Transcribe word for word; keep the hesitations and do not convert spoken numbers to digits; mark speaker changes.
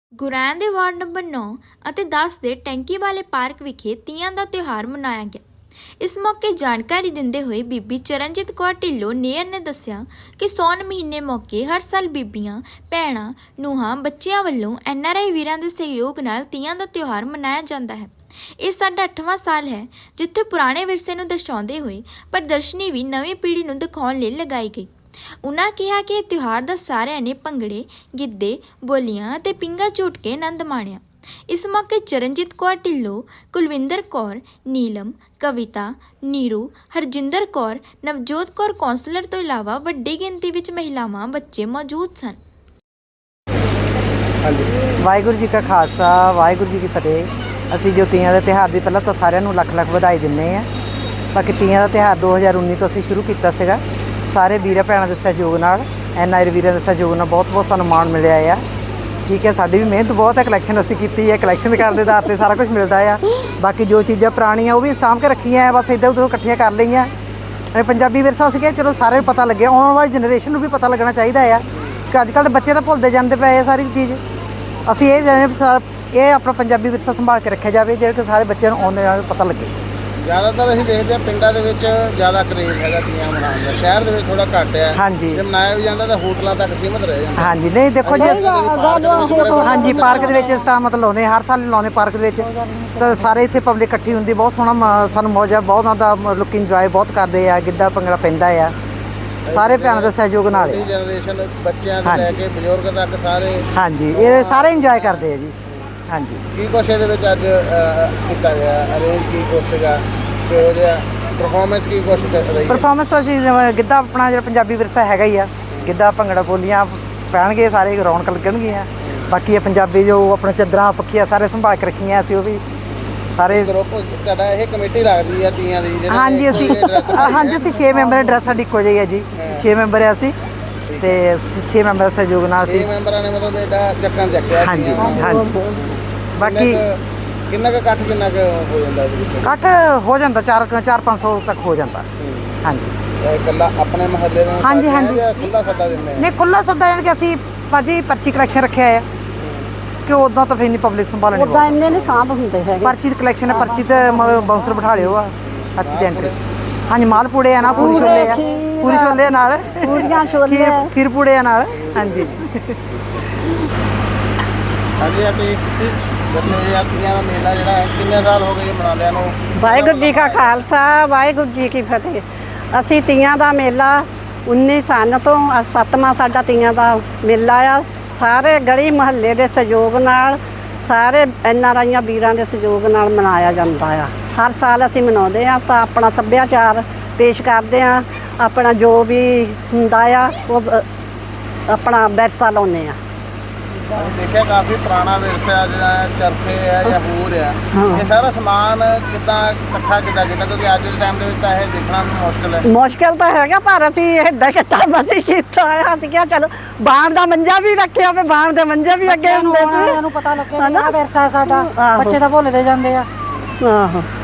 Speaker 1: ਗੁਰੈਣ ਦੇ ward number ਨੌ ਅਤੇ ਦਸ ਦੇ ਟੈਂਕੀ ਵਾਲੇ ਪਾਰਕ ਵਿਖੇ ਤੀਆਂ ਦਾ ਤਿਉਹਾਰ ਮਨਾਇਆ ਗਿਆ। ਇਸ ਮੌਕੇ ਜਾਣਕਾਰੀ ਦਿੰਦੇ ਹੋਏ ਬੀਬੀ ਚਰਨਜੀਤ ਕੌਰ ਢਿੱਲੋਂ ਨੇਰ ਨੇ ਦੱਸਿਆ ਕਿ ਸੌਣ ਮਹੀਨੇ ਮੌਕੇ ਹਰ ਸਾਲ ਬੀਬੀਆਂ, ਭੈਣਾਂ, ਨੂੰਹਾਂ, ਬੱਚਿਆਂ ਵੱਲੋਂ ਐਨ ਆਰ ਆਈ ਵੀਰਾਂ ਦੇ ਸਹਿਯੋਗ ਨਾਲ ਤੀਆਂ ਦਾ ਤਿਉਹਾਰ ਮਨਾਇਆ ਜਾਂਦਾ ਹੈ। ਇਹ ਸਾਡਾ ਅੱਠਵਾਂ ਸਾਲ ਹੈ ਜਿੱਥੇ ਪੁਰਾਣੇ ਵਿਰਸੇ ਨੂੰ ਦਰਸਾਉਂਦੇ ਹੋਏ ਪ੍ਰਦਰਸ਼ਨੀ ਵੀ ਨਵੀਂ ਪੀੜ੍ਹੀ ਨੂੰ ਦਿਖਾਉਣ ਲਈ ਲਗਾਈ ਗਈ। ਉਨ੍ਹਾਂ ਕਿਹਾ ਕਿ ਇਹ ਤਿਉਹਾਰ ਦਾ ਸਾਰਿਆਂ ਨੇ ਭੰਗੜੇ, ਗਿੱਧੇ, ਬੋਲੀਆਂ ਅਤੇ ਪਿੰਗਾ ਝੂਟ ਕੇ ਆਨੰਦ ਮਾਣਿਆ। ਇਸ ਮੌਕੇ ਚਰਨਜੀਤ ਕੌਰ ਢਿੱਲੋਂ, ਕੁਲਵਿੰਦਰ ਕੌਰ, ਨੀਲਮ, ਕਵਿਤਾ, ਨੀਰੂ, ਹਰਜਿੰਦਰ ਕੌਰ, ਨਵਜੋਤ ਕੌਰ ਕੌਂਸਲਰ ਤੋਂ ਇਲਾਵਾ ਵੱਡੀ ਗਿਣਤੀ ਵਿੱਚ ਮਹਿਲਾਵਾਂ, ਬੱਚੇ ਮੌਜੂਦ ਸਨ।
Speaker 2: ਵਾਹਿਗੁਰੂ ਜੀ ਕਾ ਖਾਲਸਾ, ਵਾਹਿਗੁਰੂ ਜੀ ਕੀ ਫਤਿਹ। ਅਸੀਂ ਜੋ ਤੀਆਂ ਦੇ ਤਿਉਹਾਰ ਦੀ ਪਹਿਲਾਂ ਤਾਂ ਸਾਰਿਆਂ ਨੂੰ ਲੱਖ ਲੱਖ ਵਧਾਈ ਦਿੰਦੇ ਹਾਂ। ਬਾਕੀ ਤੀਆਂ ਦਾ ਤਿਉਹਾਰ ਦੋ ਹਜ਼ਾਰ ਉੱਨੀ ਤੋਂ ਅਸੀਂ ਸ਼ੁਰੂ ਕੀਤਾ ਸੀਗਾ। ਸਾਰੇ ਵੀਰਾਂ ਭੈਣਾਂ ਦੇ ਸਹਿਯੋਗ ਨਾਲ, ਐਨ ਆਈ ਵੀਰਾਂ ਦੇ ਸਹਿਯੋਗ ਨਾਲ ਬਹੁਤ ਬਹੁਤ ਸਾਨੂੰ ਮਾਣ ਮਿਲਿਆ ਆ। ਠੀਕ ਹੈ, ਸਾਡੀ ਵੀ ਮਿਹਨਤ ਬਹੁਤ ਹੈ, ਕਲੈਕਸ਼ਨ ਅਸੀਂ ਕੀਤੀ ਹੈ। ਕਲੈਕਸ਼ਨ ਕਰਨ ਦੇ ਆਧਾਰ 'ਤੇ ਸਾਰਾ ਕੁਝ ਮਿਲਦਾ ਆ। ਬਾਕੀ ਜੋ ਚੀਜ਼ਾਂ ਪੁਰਾਣੀਆਂ ਉਹ ਵੀ ਸਾਂਭ ਕੇ ਰੱਖੀਆਂ ਆ, ਬਸ ਇੱਧਰ ਉੱਧਰੋਂ ਇਕੱਠੀਆਂ ਕਰ ਲਈਆਂ। ਪੰਜਾਬੀ ਵਿਰਸਾ ਸੀਗਾ, ਚਲੋ ਸਾਰਿਆਂ ਨੂੰ ਪਤਾ ਲੱਗਿਆ। ਆਉਣ ਵਾਲੀ ਜਨਰੇਸ਼ਨ ਨੂੰ ਵੀ ਪਤਾ ਲੱਗਣਾ ਚਾਹੀਦਾ ਆ ਕਿ ਅੱਜ ਕੱਲ੍ਹ ਦੇ ਬੱਚੇ ਤਾਂ ਭੁੱਲਦੇ ਜਾਂਦੇ ਪਏ ਆ ਸਾਰੀ ਚੀਜ਼। ਅਸੀਂ ਇਹ ਜਾਣੇ ਇਹ ਆਪਣਾ ਪੰਜਾਬੀ ਵਿਰਸਾ ਸੰਭਾਲ ਕੇ ਰੱਖਿਆ ਜਾਵੇ, ਜਿਹੜੇ ਕਿ ਸਾਰੇ ਬੱਚਿਆਂ ਨੂੰ ਆਉਂਦੇ ਨਾਲ ਪਤਾ ਲੱਗੇ।
Speaker 3: ਜ਼ਿਆਦਾਤਰ ਅਸੀਂ ਦੇਖਦੇ ਹਾਂ ਪਿੰਡਾਂ ਦੇ ਵਿੱਚ ਜ਼ਿਆਦਾ ਕਰੇਜ਼ ਹੈਗਾ ਤੀਆਂ ਮਨਾਉਣ ਦਾ, ਸ਼ਹਿਰ ਦੇ ਵਿੱਚ ਥੋੜਾ ਘੱਟ ਹੈ।
Speaker 2: ਹਾਂਜੀ,
Speaker 3: ਜੇ ਮਨਾਇਆ ਵੀ ਜਾਂਦਾ ਤਾਂ ਹੋਟਲਾਂ ਤੱਕ ਸੀਮਤ ਰਹਿ ਜਾਂਦਾ।
Speaker 2: ਹਾਂਜੀ, ਨਹੀਂ ਦੇਖੋ ਜੀ, ਹਾਂਜੀ ਪਾਰਕ ਦੇ ਵਿੱਚ ਇਸ ਤਾਂ ਮਤਲਬ ਲਾਉਂਦੇ ਹਰ ਸਾਲ ਲਾਉਂਦੇ ਪਾਰਕ ਦੇ ਵਿੱਚ, ਤਾਂ ਸਾਰੇ ਇੱਥੇ ਪਬਲਿਕ ਇਕੱਠੀ ਹੁੰਦੀ, ਬਹੁਤ ਸੋਹਣਾ ਸਾਨੂੰ ਮੌਜਾ, ਬਹੁਤ ਉਹਨਾਂ ਦਾ ਲੋਕ ਇੰਜੋਏ ਬਹੁਤ ਕਰਦੇ ਆ। ਗਿੱਧਾ ਭੰਗੜਾ ਪੈਂਦਾ ਆ, ਸਾਰੇ ਭੈਣਾਂ ਦੇ ਸਹਿਯੋਗ ਨਾਲ।
Speaker 3: ਜਨਰੇਸ਼ਨ ਬੱਚਿਆਂ ਤੋਂ ਲੈ ਕੇ ਬਜ਼ੁਰਗ ਤੱਕ ਸਾਰੇ, ਹਾਂਜੀ,
Speaker 2: ਇਹ ਸਾਰੇ ਇੰਜੋਏ ਕਰਦੇ ਆ ਜੀ। ਹਾਂਜੀ,
Speaker 3: ਕੀ ਕੁਛ ਇਹਦੇ ਵਿੱਚ ਅੱਜ ਕੀਤਾ ਗਿਆ, ਅਰੇਂਜ ਕੀ ਕੁਛ ਸੀਗਾ, ਕਿਹੋ ਜਿਹਾ ਪਰਫਾਰਮੈਂਸ ਕੀ ਕੁਛ ਰਹੀ?
Speaker 2: ਪਰਫਾਰਮੈਂਸ ਅਸੀਂ ਗਿੱਧਾ ਆਪਣਾ ਜਿਹੜਾ ਪੰਜਾਬੀ ਵਿਰਸਾ ਹੈਗਾ ਹੀ ਆ, ਗਿੱਧਾ ਭੰਗੜਾ ਬੋਲੀਆਂ ਪੈਣਗੇ, ਸਾਰੇ ਰੌਣਕ ਲੱਗਣਗੀਆਂ। ਬਾਕੀ ਇਹ ਪੰਜਾਬੀ ਜੋ ਆਪਣਾ ਚਾਦਰਾਂ ਪੱਖੀਆਂ ਸਾਰੇ ਸੰਭਾਲ ਕੇ ਰੱਖੀਆਂ ਅਸੀਂ, ਉਹ ਵੀ ਸਾਰੇ
Speaker 3: ਗਰੁੱਪ ਤੁਹਾਡਾ ਇਹ ਕਮੇਟੀ ਲੱਗਦੀ ਆ ਤੀਆਂ ਦੀ?
Speaker 2: ਹਾਂਜੀ, ਅਸੀਂ ਹਾਂਜੀ ਅਸੀਂ ਛੇ ਮੈਂਬਰ, ਡਰੈਸ ਸਾਡੀ ਇੱਕੋ ਜਿਹੀ ਹੈ ਜੀ। ਛੇ ਮੈਂਬਰ ਆ ਅਸੀਂ, ਅਤੇ ਛੇ ਮੈਂਬਰ ਸਹਿਯੋਗ ਨਾਲ ਅਸੀਂ
Speaker 3: ਮੈਂਬਰਾਂ ਨੇ ਮਤਲਬ ਇਹਦਾ ਚੱਕਰ ਚੱਕਿਆ।
Speaker 2: ਹਾਂਜੀ ਹਾਂਜੀ। ਬਾਕੀ
Speaker 3: ਕਿੰਨਾ ਕੁ ਇਕੱਠ ਕਿੰਨਾ ਕੁ ਹੋ ਜਾਂਦਾ?
Speaker 2: ਇਕੱਠ ਹੋ ਜਾਂਦਾ ਚਾਰ ਚਾਰ ਪੰਜ ਸੌ ਤੱਕ ਹੋ ਜਾਂਦਾ। ਹਾਂਜੀ,
Speaker 3: ਇਕੱਲਾ ਆਪਣੇ ਮਹੱਲੇ ਨੂੰ?
Speaker 2: ਹਾਂਜੀ ਹਾਂਜੀ,
Speaker 3: ਖੁੱਲ੍ਹਾ ਸੱਦਾ ਦਿੰਦੇ? ਨਹੀਂ,
Speaker 2: ਖੁੱਲ੍ਹਾ ਸੱਦਾ ਯਾਨੀ ਕਿ ਅਸੀਂ ਭਾਜੀ ਪਰਚੀ ਕਲੈਕਸ਼ਨ ਰੱਖਿਆ ਹੈ ਕਿ ਉੱਦਾਂ ਤਾਂ ਫਿਰ ਨਹੀਂ ਪਬਲਿਕ ਸੰਭਾਲਣੀ,
Speaker 4: ਉੱਦਾਂ ਇੰਨੇ ਨਹੀਂ ਸਾਂਭ ਹੁੰਦੇ ਹੈਗੇ।
Speaker 2: ਪਰਚੀ ਦੀ ਕਲੈਕਸ਼ਨ ਹੈ, ਪਰਚੀ ਤੇ ਬਾਉਂਸਰ ਬਿਠਾ ਲਿਓ ਆ, ਪਰਚੀ ਦੀ ਐਂਟਰੀ। ਹਾਂਜੀ, ਮਾਲ ਪੂੜੇ ਆ ਨਾ, ਪੂਰੀ ਛੋਲੇ ਆ, ਪੂਰੀ ਛੋਲੇ ਨਾਲ,
Speaker 4: ਪੂਰੀਆਂ ਛੋਲੇ,
Speaker 2: ਖੀਰ ਪੂੜੇ ਆ ਨਾਲ। ਹਾਂਜੀ
Speaker 3: ਹਾਂਜੀ, ਆਪਣੀ ਦੱਸੋ ਜੀ, ਤੀਆਂ ਦਾ ਮੇਲਾ ਜਿਹੜਾ ਕਿੰਨੇ ਸਾਲ ਹੋ ਗਏ ਮਨਾਉਂਦਿਆਂ ਨੂੰ?
Speaker 4: ਵਾਹਿਗੁਰੂ ਜੀ ਕਾ ਖਾਲਸਾ, ਵਾਹਿਗੁਰੂ ਜੀ ਕੀ ਫਤਿਹ। ਅਸੀਂ ਤੀਆਂ ਦਾ ਮੇਲਾ ਉੱਨੀ ਸਾਲ ਤੋਂ ਅੱਜ ਸੱਤਵਾਂ ਸਾਡਾ ਤੀਆਂ ਦਾ ਮੇਲਾ ਆ। ਸਾਰੇ ਗਲੀ ਮੁਹੱਲੇ ਦੇ ਸਹਿਯੋਗ ਨਾਲ, ਸਾਰੇ ਐਨ ਆਰ ਆਈਆਂ ਵੀਰਾਂ ਦੇ ਸਹਿਯੋਗ ਨਾਲ ਮਨਾਇਆ ਜਾਂਦਾ ਆ। ਹਰ ਸਾਲ ਅਸੀਂ ਮਨਾਉਂਦੇ ਹਾਂ, ਤਾਂ ਆਪਣਾ ਸੱਭਿਆਚਾਰ ਪੇਸ਼ ਕਰਦੇ ਹਾਂ। ਆਪਣਾ ਜੋ ਵੀ ਹੁੰਦਾ ਆ ਉਹ ਆਪਣਾ ਵਿਰਸਾ ਲਾਉਂਦੇ ਹਾਂ।
Speaker 3: ਅਸੀਂ ਦੇਖਿਆ ਕਾਫੀ ਪੁਰਾਣਾ ਵਿਰਸਾ ਜਿਹੜਾ ਚਰਖੇ ਹੈ ਜਾਂ ਹੋਰ ਆ, ਇਹ ਸਾਰਾ ਸਮਾਨ ਕਿੱਦਾਂ ਇਕੱਠਾ ਕਿੱਦਾਂ ਕੀਤਾ? ਕਿਉਂਕਿ ਅੱਜ ਦੇ ਟਾਈਮ ਦੇ ਵਿੱਚ ਤਾਂ ਇਹ ਦੇਖਣਾ ਵੀ ਮੁਸ਼ਕਿਲ ਹੈ।
Speaker 4: ਮੁਸ਼ਕਿਲ ਤਾਂ ਹੈਗਾ, ਪਰ ਅਸੀਂ ਇੱਦਾਂ ਕਿੱਤਾ ਮਸੀਂ ਕੀਤਾ ਹੋਇਆ। ਅਸੀਂ ਕਿਹਾ ਚਲੋ ਬਾਣ ਦਾ ਮੰਜਾ ਵੀ ਰੱਖਿਆ, ਫਿਰ ਬਾਣ ਦੇ ਮੰਜੇ ਵੀ ਅੱਗੇ ਹੁੰਦੇ ਸੀ।
Speaker 5: ਪਤਾ ਲੱਗਿਆ ਵਿਰਸਾ ਸਾਡਾ, ਬੱਚੇ ਤਾਂ ਭੁੱਲਦੇ ਜਾਂਦੇ ਆ।
Speaker 4: ਆਹੋ।